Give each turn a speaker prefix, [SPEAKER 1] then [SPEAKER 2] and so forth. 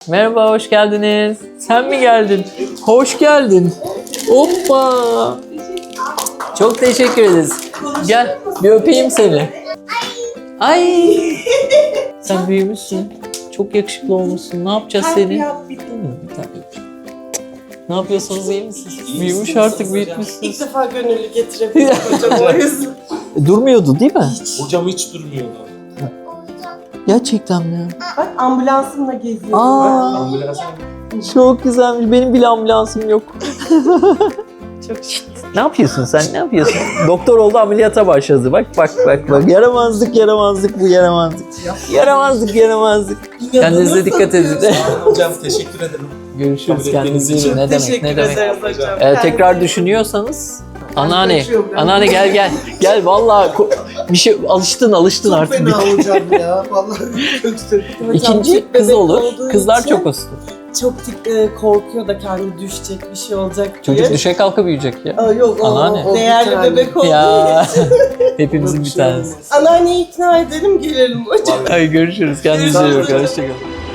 [SPEAKER 1] Merhaba, hoş geldiniz. Sen mi geldin? Hoş geldin. Hoppa. Çok teşekkür ederiz. Gel, bir öpeyim seni. Ay. Sen büyümüşsün. Çok yakışıklı olmuşsun. Ne yapacağız seni? Ne yapıyorsunuz, iyi misiniz? Büyümüş artık, büyütmüşsünüz.
[SPEAKER 2] İlk defa gönüllü getirebildim hocam o yüzden.
[SPEAKER 1] Durmuyordu değil mi?
[SPEAKER 3] Hocam hiç durmuyordu.
[SPEAKER 1] Gerçekten mi?
[SPEAKER 2] Bak ambulansımla geziyorum.
[SPEAKER 1] Aa,
[SPEAKER 3] Ambulansa
[SPEAKER 1] çok güzelmiş. Benim bile ambulansım yok. Çok Ne yapıyorsun sen? Ne yapıyorsun? Doktor oldu, ameliyata başladı. Bak. Yaramazlık bu, yaramazlık. Yaramazlık. Kendinize dikkat edin.
[SPEAKER 3] hocam teşekkür ederim.
[SPEAKER 1] Görüşürüz,
[SPEAKER 3] Kabul
[SPEAKER 1] kendinize
[SPEAKER 3] ettiğiniz
[SPEAKER 1] iyi.
[SPEAKER 3] için.
[SPEAKER 1] Ne demek,
[SPEAKER 2] Teşekkür
[SPEAKER 1] ne demek.
[SPEAKER 2] ederiz hocam.
[SPEAKER 1] Tekrar düşünüyorsanız anneanne,
[SPEAKER 2] kaçıyorum ben.
[SPEAKER 1] anneanne gel. Gel vallahi bir şey alıştın artık.
[SPEAKER 4] Fena hocam ya. Vallahi kötü.
[SPEAKER 1] İkinci kız
[SPEAKER 2] bebek
[SPEAKER 1] olur.
[SPEAKER 2] olduğu
[SPEAKER 1] Kızlar
[SPEAKER 2] için
[SPEAKER 1] çok uslu.
[SPEAKER 2] Çok korkuyor da kendi düşecek, bir şey olacak diye.
[SPEAKER 1] Çocuk düşe kalka büyüyecek ya.
[SPEAKER 2] Aa, yok
[SPEAKER 1] Anneanne.
[SPEAKER 2] o değerli bebek olduğu
[SPEAKER 1] Ya
[SPEAKER 2] için.
[SPEAKER 1] hepimizin bir tanesi.
[SPEAKER 2] Anneanneyi ikna edelim gelelim hocam.
[SPEAKER 1] Ay görüşürüz. Kendinize iyi bakın. Hoşçakalın.